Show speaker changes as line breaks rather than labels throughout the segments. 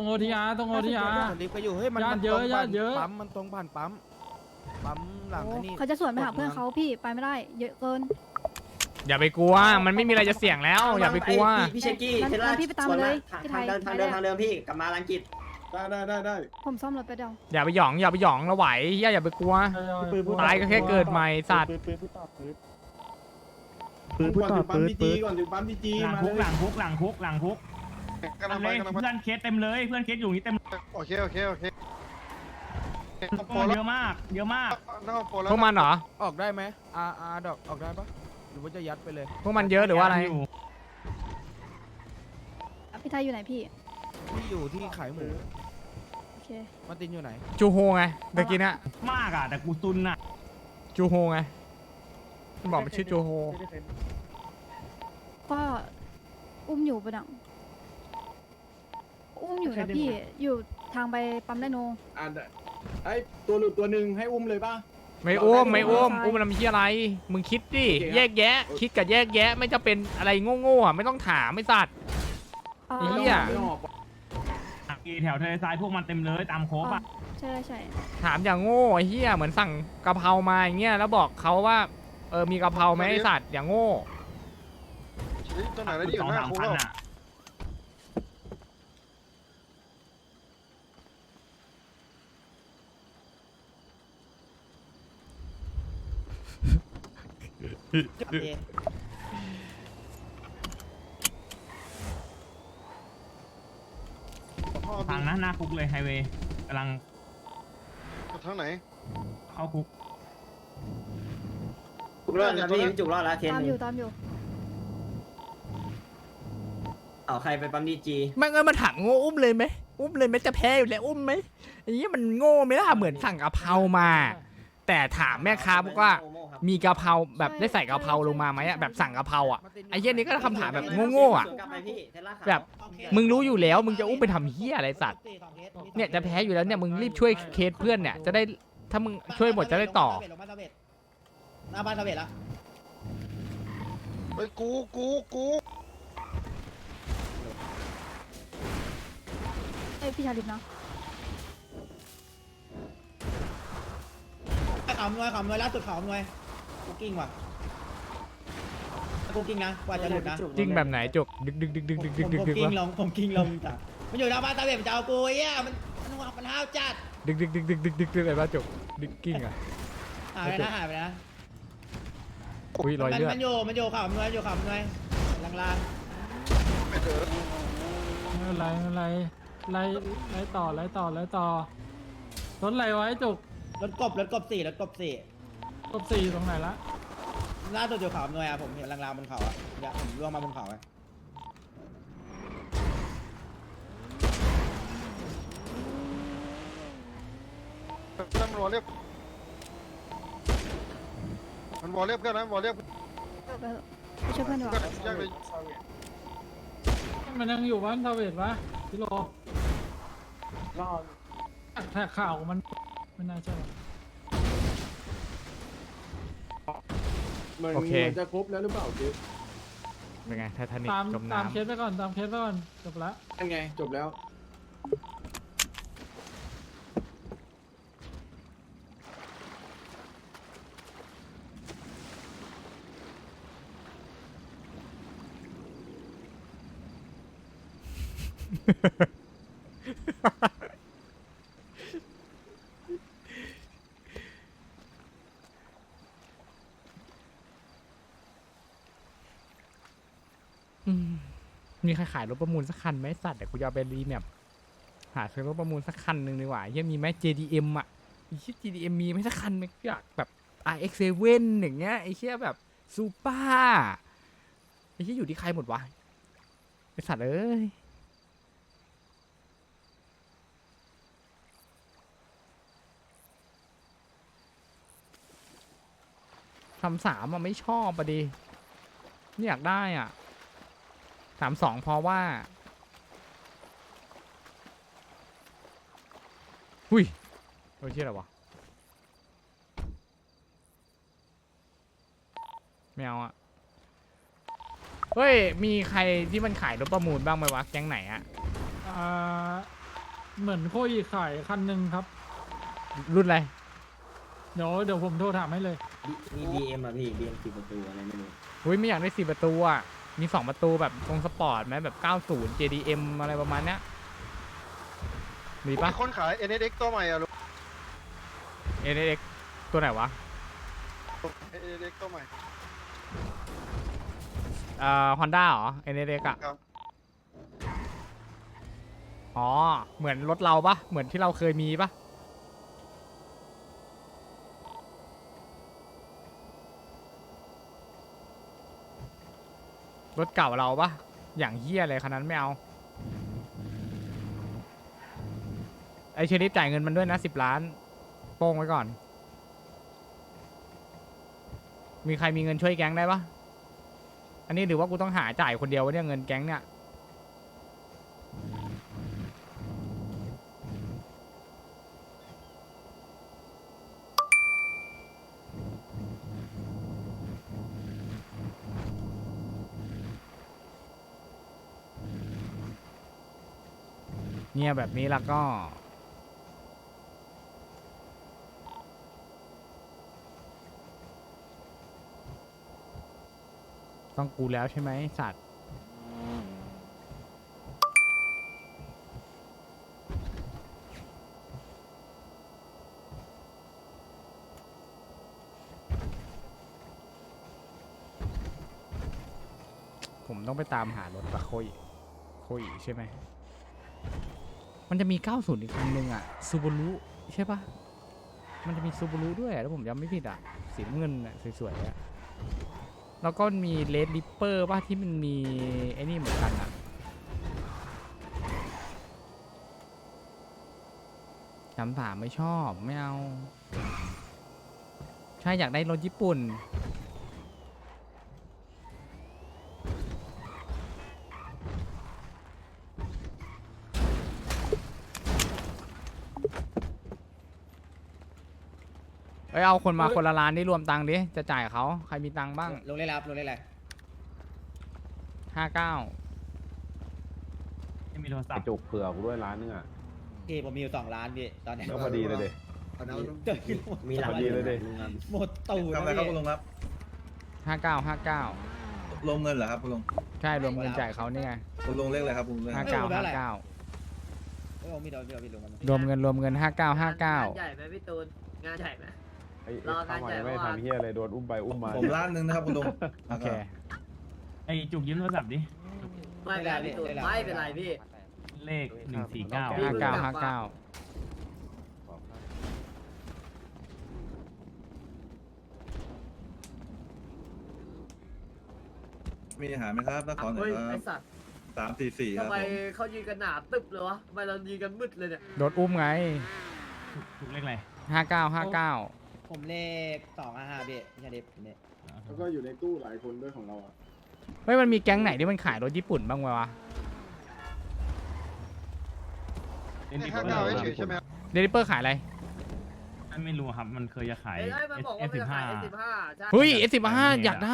โอทีอาร์ตรงโอทีอาร์
รีบไปอยู่เฮ้ยมัน
ญาติเยอะญาติเยอะ
ปั๊มมันตรงผ่านปั๊มหลังไอ้นี่
เขาจะสวนไปหาเพื่อนเขาพี่ไปไม่ได้เยอะเกิน
อย่าไปกลัวมันไม่มีอะไรจะเสี่ยงแล้วอย่าไปกลัว
พี่เชกกี้
งั้น
เทล่า
พี่ไปตามเลยพี่ไทย
ทางเดิมพี่กลับมาลังกิจ
ได้
ผมซ่อมรถไปเดียว
อย่าไปหยองเราไหวอย่าไปกลัวตายก็แค่เกิดใหม่สัตว์
ปืนก่อนถึงปั๊มพีจีก่อนถึงปั๊มพีจี
หลัง
มา
คุก
เลย
หลังคุกหลังคุกหลังคุก
กำลังไป
เลย
กำลังไป
เพื่อนเคสเต็มเลยเพื่อนเคสอยู่นี่เต็ม
โอเค
เยอะมากเยอะมาก
พวกมันเหรอ
ออกได้ไหมดอกออกได้ปะหรือว่าจะยัดไปเลย
พวกมันเยอะหรือว่าอะไร
พี่ไทยอยู่ไหนพี่
ที่อยู่ที่ขายหมู
โอเค
มาตินอยู่ไหน
จูโฮไงเมื่อกี้น่ะ
มากอ่ะแต่กูซุนอ่ะ
จูโฮไงมันบอกมันชื่อจูโฮ
ก็อุ้มอยู่ปะดังอุ้มอยู่นะพี่อยู่ทางไปปั๊มไดโน
ไอ้ตัวหลุดตัวหนึ่งให้อุ้มเลยป่ะ
ไม่อุ้มมันทำเหี้ยอะไรมึงคิดดิแยกแยะ คิดกับแยกแยะไม่จะเป็นอะไรโง่ๆอ่ะไม่ต้องถามไม่สัตว์ ไอ้เหี้ย
แถวทะเลทรายพวกมันเต็มเลยตามโคบอ่ะ
ใช่ใช่
ถามอย่างโง่ไอ้เหี้ยเหมือนสั่งกะเพรามาอย่างเงี้ยแล้วบอกเขาว่ามีกะเพราไหมไอ้สัตว์อย่างโง่
ตัวไหนแล้วนี่อ
สอยู่ ง
หน้า
สาม
คุก
พัน
แล้ว
อ่ะ ทางหน้าคุกเลยไฮเวย์กำลัง
ทางไหน
เข้าคุก
จุกรอดแล้วพี่จุกรอดแล้วเทน
ตามอยู่ตามอยู่
เอาใครไปปั๊มดีจี
แม่งมาถามโง่อุ้มเลยไหมจะแพ้อยู่แล้วอุ้มไหมไอ้เหี้ยมันโง่ไหมล่ะเหมือนสั่งกะเพรามา แต่ถามแม่ค้าบอกว่ามีกะเพราแบบได้ใส่กะเพราลงมาไหมอะแบบสั่งกะเพราอ่ะไอ้เหี้ยนี่ก็คำถามแบบโง่ๆอ่ะแบบมึงรู้อยู่แล้วมึงจะอุ้มไปทำเหี้ยอะไรสัตว์เนี่ยจะแพ้อยู่แล้วเนี่ยมึงรีบช่วยเคสเพื่อนเนี่ยจะได้ถ้ามึงช่วยหมดจะได้ต่อ
หน้าบ้านทาเวทละ
เฮ้ยกู
เอ้ยพี่ชาลิปนะ
ขำนวยล่าสุดขำนวยคุกกิ้งว่ะคุกกิ้งนะกว่าจะหลุดนะ
จริงแบบไหนจุกดึกวะ
ผมกิ้งลงจ้ะมันอยู่หน้าบ้านทาเวทมันจะเอากูไอ้เหี้ยมันห้าวจัด
ดึกอะไรบ้าจุกดึกกิ้งอ่ะ
หายไปนะ
อุ้ยรอยเลือด
มันอยู่ขำนวยลาง
ไม่เถอะ
อะไรไล่ต่อรถอะไรไว้จุก
ๆรถกบ4
กบสี่ตรงไหนละ
ล่าสุดอยู่ขำนวยอ่ะผมเห็นลางๆบนเขาอ่ะเดี๋ยวผมล่วงมาบนเขาไง
มันวอลเรียบเพื่อนนะวอลเรียบ
ไปช่วยเพื่อนดีกว่า
แยกเลย
มันยังอยู่บ้านทาเวทปะกิโลแท็กข่าวมันไม่น่าใช่
เหมือนจะครบแล้วหรือเปล่าจิ๊บ
เป็นไงไททานิก
ตาม
จม
ตาม
น้ำ
เคสไปก่อนจบละ
ยังไงจบแล้ว
มีใครขายรถประมูลสักคันไหมสัตว์เดี๋ยวกูจะเอาไปรีแมปหาซื้อรถประมูลสักคันหนึ่งดีกว่ายังมีไหม JDM อ่ะไอ้เชี่ย JDM มีไหมสักคันไหมอยากแบบ RX7 อย่างเงี้ยไอ้เชี่ยแบบซูเปอร์ไอ้เชี่ยอยู่ที่ใครหมดวะไอ้สัตว์เอ้ย3-3อ่ะไม่ชอบอ่ะดิไม่อยากได้อ่ะ3-2เพราะว่าหุ้ยโอ้ยเชี่ยอะไรวะไม่เอาอ่ะเฮ้ยมีใครที่มันขายรถประมูลบ้างไหมวะแก๊งไหนอ่ะ
เหมือนโคอีขายคันหนึ่งครับ
รุ่นอะไร
เดี๋ยวผมโทรถามให้เลย
มี BM อ่ะพี่ BM 10 ประตูอะไรไม่รู้
อุ้ยไม่อยากได้4ประตูอ่ะมี2ประตูแบบตรงสปอร์ตไหมแบบ 90 JDM อะไรประมาณเนี้ยมีปะ
มีคนขาย NSX ตัวใหม่อะลุง
NX ตัวไหนวะ
NSX ตัวใหม่
Honda เหรอ NX อ่ะ
ครับ
อ๋อเหมือนรถเราปะเหมือนที่เราเคยมีปะรถเก่าเราปะอย่างเฮี้ยเลยคันนั้นไม่เอาไอเชอรี่จ่ายเงินมันด้วยนะ10 ล้านโป้งไว้ก่อน มีใครมีเงินช่วยแก๊งได้ปะอันนี้หรือว่ากูต้องหาจ่ายคนเดียววะเนี่ยเงินแก๊งเนี่ยเนี่ยแบบนี้แล้วก็ต้องกูแล้วใช่ไหมสัตว์ผมต้องไปตามหารถปะโคยใช่ไหมมันจะมี 90 อีกคันหนึ่งอ่ะซูบารุใช่ปะมันจะมีซูบารุด้วยแล้วผมจำไม่ผิดอ่ะสีน้ำเงินอ่ะสวยๆอ่ะแล้วก็มีเลดริปเปอร์ป่ะที่มันมีไอ้นี่เหมือนกันอ่ะ33ไม่ชอบไม่เอาใช่อยากได้รถญี่ปุ่นเอาคนมาคนละล้านนี่รวมตังค์ดิจะจ่ายเขาใครมีตังค์บ้าง
ลงเล่นรับลงเล่นอะไร
59
ไม่มีโทรศัพท์
จุกเผื่อกูด้วยร้านนึงอ่ะ
พี่ผมมีอยู่2 ล้านพี่ตอนเนี้ย
ก็พอดีเลยเด็
มีหลัง
พอดีเลยดิ
หมดตู้
ทำอะไรครับคุณลุงครับ
59
รวมเงินเหรอครับคุณลุง
ใช่รวมเงินจ่ายเขานี่ไง
คุณลุงเลขอะไรครับคุณลุงเลขอะไร
59
เอ้ยผมมีโดนพี่ลงกัน
รวมเงิน 59
งานใหญ่ไหมพี่ตูนงานใหญ่ไหม
ไอ้
รองานใหญ่
ไม่
เมื่อวาน
ทำเฮียอะไรโดนอุ้มไปอุ้มมา
ผมล้านหนึ่งนะครับคุณลุง
โอเค
ไอจุกยืมโทรศัพท์ดิ
ไม่เป็นไรพี่ตูนไม่เป็นไรพี่
เลข 149
59
มีอาหารไหมครับถ้าขอหน่อ
เฮ้
ย
ย
ค
ไอ
รับ
สัตว์
344ครั
ทำ
บ
ไม
ผม
เขายืนกันหนาตึบเลยวะทำไมเรายืนกันมืดเลยเนี่ย
โดนอุ้มไง
จุกเลขอะไร
59
ผมเลข255พี่พี่ชาดิบเนี่ย
แล้วก็อยู่ในตู้หลายคนด้วยของเราอ่ะ
เฮ้ยมันมีแก๊งไหนที่มันขายรถญี่ปุ่นบ้างวะ
59เฉยๆใช่ไหมครับ
เดลิเปอร์ขายอะไร
ไม่รู้ครับ มันเคยจะขาย
เอ้ยมันบอกว่ามันจะขาย
S15
ใช่
เฮ้ย S15 อยากได้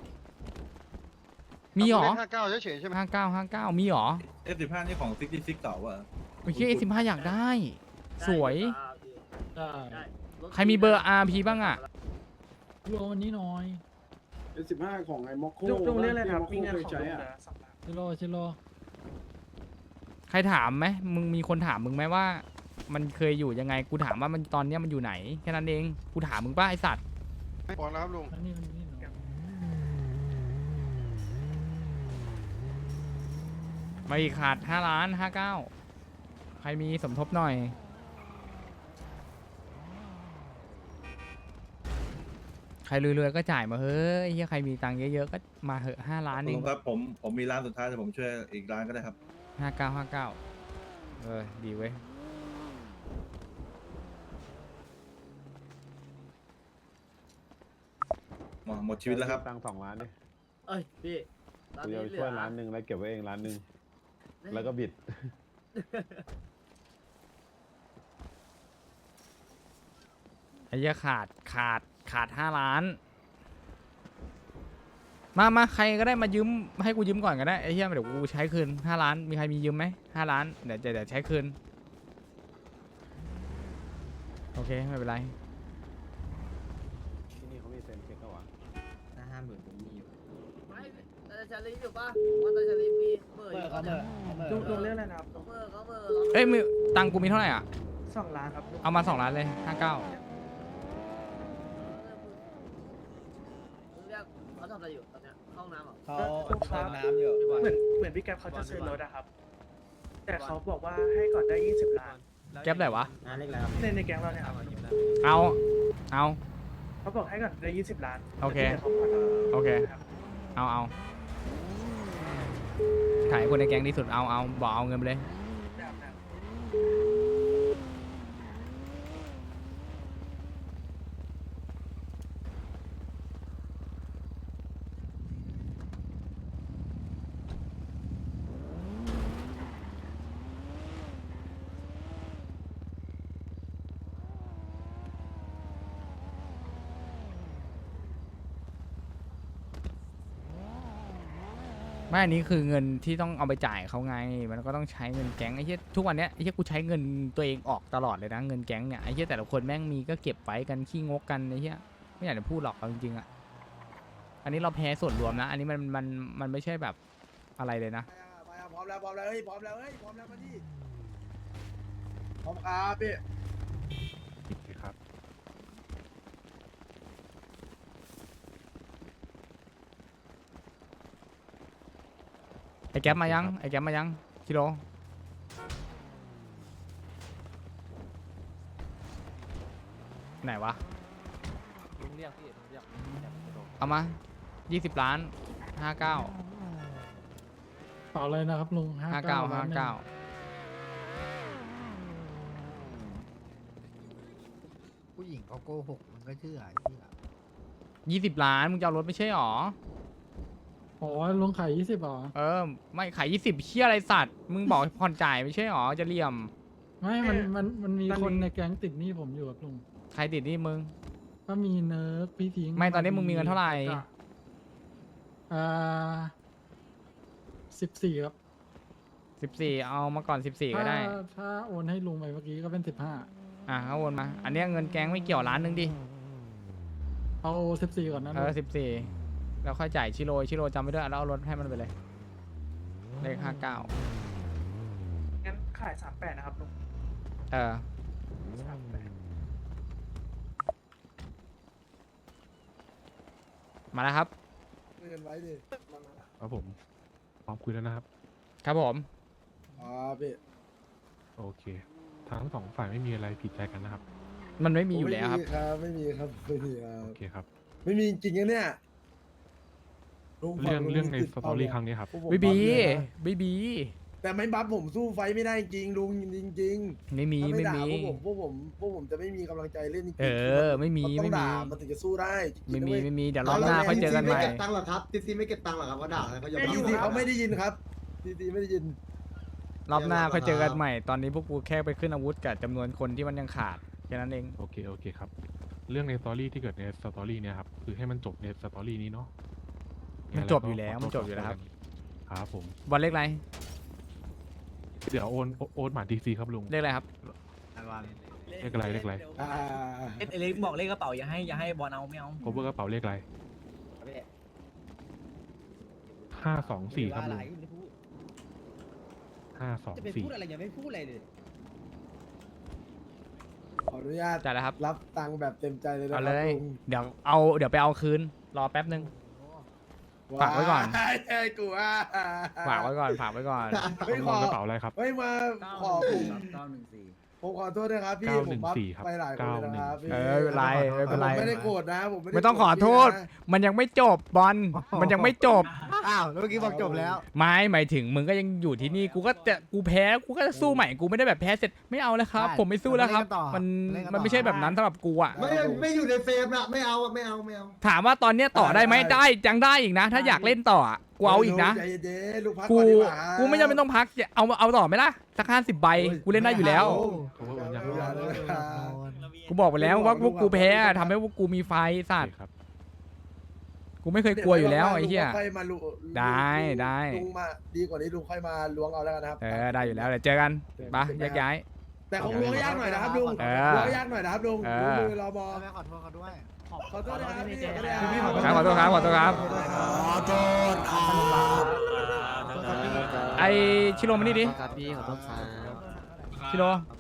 มีหรอ
เลข59เฉยๆใช่ไหม
59 มีหรอ
F15 นี่ของ66เก่าว่ะ
โอเค S15 อยากได้ สวย
ได้
ได้
ใครมีเบอร์ RP บ้างอ่ะ
รวมวันนี้หน่อย
15ของไอ้ม็อกโค
จุกเรียกอะไรครับ
ที่ม็อกโคเคยใช้อ่ะ
ชิโร่
ใครถามไหมมึงมีคนถามมึงไหมว่า มันเคยอยู่ยังไง กูถามว่ามันตอนเนี้ยมันอยู่ไหน แค่นั้นเอง กูถามมึงป่ะไอสัตว์
บอกแล้วครับลุง
อันนี้หน่อย
มาอีกขาด5 ล้าน 59 ใครมีสมทบหน่อย ใครรวยๆก็จ่ายมาเฮ้ยเฮียใครมีตังค์เยอะๆก็มาเหอะ5 ล้าน
คุณ
เอ
ลุ
ง
งครับผมมีร้านสุดท้ายแต่ผมช่วยอีกร้านก็ได้ครับ
59 ดีเว้ย
หมดชีวิตแล้วครับ
ตังค์2 ล้านดิ
เอ้ยพี่ตอน
กู
นี้
จะ
เหลื
ช่ว
อย
ล้านหนึ่งแล้วเก็บไว้เองล้านหนึ่งแล้วก็บิด
ไอ้เหี้ยขาด5 ล้าน มาใครก็ได้มายืมให้กูยืมก่อนก็ได้ไอ้เหี้ยเดี๋ยวกูใช้คืน5 ล้านมีใครมียืมไหม5 ล้านเดี๋ยวใช้คืนโอเคไม่เป็นไร
ที่นี่เขามีเซ็นเช็คก็วะ
ถ้า50,000ผมมีอยู่
ไม่แต่ชาลีฟอยู่ปะว่าแต่ชาลีฟมีเมื่อ
เมื่
ยู่
อเขา
เนี่ย
ลุงเรื่องอะไรนะครับ
เมื่อเขาเมื่อ
เอ้ยมือตังค์กูมีเท่าไหร่อ่ะ
2 ล้านครับ
เอามา2 ล้านเลย59
เรียกเขาทำอะไรอยู่ตอนเนี้ยเข้าห้องน้ำเหรอ
เขาเติมน้ำอยู่
เหมือนพี่แก๊ปเขาจะซื้อรถอะครับ แต่เขาบอกว่าให้ก่อนได้20 ล้าน
แก๊ปไหนวะ
งานเล็กแล้วครับ
ในแก๊งเราเนี่ยครับ
เอา
เขาบอกให้ก่อนได้20 ล้าน
โอเค
แต่ที่หลืขาผ่อน
โอเค เอาขายคนในแก๊งที่สุดเอาบอกเอาเงินไปเลย ไม่อันนี้คือเงินที่ต้องเอาไปจ่ายเขาไง มันก็ต้องใช้เงินแก๊งไอ้เหี้ยทุกวันเนี้ยไอ้เหี้ยกูใช้เงินตัวเองออกตลอดเลยนะเงินแก๊งเนี่ยไอ้เหี้ยแต่ละคนแม่งมีก็เก็บไว้กันขี้งกกันไอ้เหี้ยไม่อยากจะพูดหรอกเอาจริงๆอ่ะอันนี้เราแพ้ส่วนรวมนะ อันนี้มันไม่ใช่แบบอะไรเลยนะ
พร้อมแล้วเฮ้ยพร้อมแล้วมาดิพร้อมครับพี่
ครับ
ไอ้แก๊ปมายังชิโร่ไหนวะเอามา20 ล้าน59
ต่อเลยนะครับลุง
59
ผู้หญิงเขาโกหกมันก็เชื่อ
20 ล้านมึงจะเอารถไม่ใช่หรอ
โอ้ยลุงขาย20หรอ
ไม่ขาย20เชี่ยอะไรสัตว์มึงบอกผ่อนจ่ายไม่ใช่หรอจะเหลี่ยม
ไม่มันมีคนในแก๊งติดหนี้ผมอยู่ครับลุง
ใครติดหนี่มึง
ก็มีเนิร์กพี่พิงค์
ไม่ตอนนี้มึงมีเงินเท่าไหร่
14ครับ
14เอามาก่อน14ก็ได้
ถ้าโอนให้ลุงไปเมื่อกี้ก็เป็น
เขาโอนมา อันเนี้ยเงินแก๊งไม่เกี่ยวล้านนึงดิ
15เอา14ก่อนนะลุง
14แล้วค่อยจ่ายชิโร่จำไว้ด้วยแล้วเอารถให้มันไปเลยเลข59
งั้นขาย 38 นะครับลุง
มาแล้วครับ
เงินไว้ดิ
ครับผมพร้อมคุยแล้วนะครับ
ครับผม
อ๋อพี่
โอเคทั้ง2ฝ่ายไม่มีอะไรผิดใจกันนะครับ
มันไม่มีอยู่แล้วครับ
ไม่มีครับ
โอเคครับ
ไม่มีจริงๆนะเนี่ย
เรื่องในสตอรี่ครั้งนี้ครับ
บีบี
แต่ไม่บัฟผมสู้ไฟไม่ได้จริงลุงจริง
ไม่มี
ถ้า
ไม่
ด่า
มี
พวกผมจะไม่มีกำลังใจเล่นจริง
ไม่มี
ต้อง
ไม่มี
ด่ามันถึงจะสู้ได้จริงๆนะเว้ย
ไม่มีเดี๋ยวรอบหน้าค่อยเจอกันใหม่
ไม่เก็บตังค์หรอครับทีซีไม่เก็บตังค์หรอครับเขาด่าเขายอม
ทีซีเขาไม่ได้ยินครับทีซีไม่ได้ยิน
รอบหน้าค่อยเจอกันใหม่ ตอนนี้พวกกูแค่ไปขึ้นอาวุธกับจำนวนคนที่มันยังขาดแค่นั้นเอง
โอเคครับ เรื่องในสตอรี่ที่เกิดในสตอรี่เนี่ยครับคือให้มันจบในสตอรี่นี้เนาะ
มันจบอยู่แล้วครับ
ครับผม
บอลเลขอะไร
เดี๋ยวโอนหมาดีซีครับลุง
เลขอะไรครับ
เลขอะไร
เล็กบอกเลขกระเป๋าอย่าให้บอลเอาไม่เอา
โคเวอร์กระเป๋าเลขอะไร524ครับลุง
จะไปพูดอะไรอย่าไม่พูดอะไรเลย
ขออนุญาต
จ่ายแล้วครับ
รับตังค์แบบเต็มใจเลยนะค
เอา
รับ
เลย
ลุง
เดี๋ยวไปเอาคืน รอแป๊บนึง ฝากไว้ก่อน
ไอ้กูว่า
ฝากไว้ก่อน
ไม่ข
ข
อ
อกระเป๋าอะไรครับ
ไม่มาขอผมขอโทษนะครับพี่ผมบัฟ
914ครับ
ไปหลายคนเลยนะครับพี่
ไม่เป็นไร
ผมไม่ได้โกรธนะผมไม่ได้
ไม่ต้องขอโทษ มันยังไม่จบบอล มันยังไม่จบ
อ้าวแล้วเมื่อกี้บอกจบแล้ว
ไม่หมายถึงมึงก็ยังอยู่ที่นี่ กูแพ้ กูก็จะสู้ใหม่ กูไม่ได้แบบแพ้เสร็จ ไม่เอาแล้วครับ
ได้
ผมไม่สู้แล้วครับ
มาเล่นกันต่อ
มันไม่ใช่แบบนั้นสำหรับกูอ่ะ
ไม่อยู่ในเฟรมละไม่เอา
ถามว่าตอนเนี้ยต่อได้ไหมได้ยังได้อีกนะ ถ้าอยากเล่นต่ออะกูเอาอีกนะ
ใจเย็นๆลูกพัก
กู
ก่อนดีกว่า
กูไม่จำเป็นต้องพักเอาต่อไหมล่ะสัก50 ใบ กูเล่นได้อยู่แล้ว
โคเวอร์โอนยัง
อย่าเลย
กูบอกไปแล้วว่าพวกกูแพ้อะทำให้พวกกูมีไฟสัตว์
ครับ
กูไม่เคยกลัวอยู่แล้วไอ้เหี้ย
ลุงค่อยมาลุ
ได้
ลุงมาดีกว่านี้ลุงค่อยมาล้วงเอาแล้วกันนะครับ
ได้อยู่แล้วเดี๋ยวเจอกันไปแยกย้าย
แต่คงล้วงยากหน่อยนะครับลุง
เออ
ล้วงยากหน่อยนะครับลุง
เอ
ดู
อ
มือรอบอ
ขอโทษเขาด้วย
ขอโทษนะครับพี่
ครับขอโทษครับขอโทษครับ
ขอโทษครับ
ไอชิโร่มานี่ดิ
ครับพี่ขอโทษครับ
ชิโร่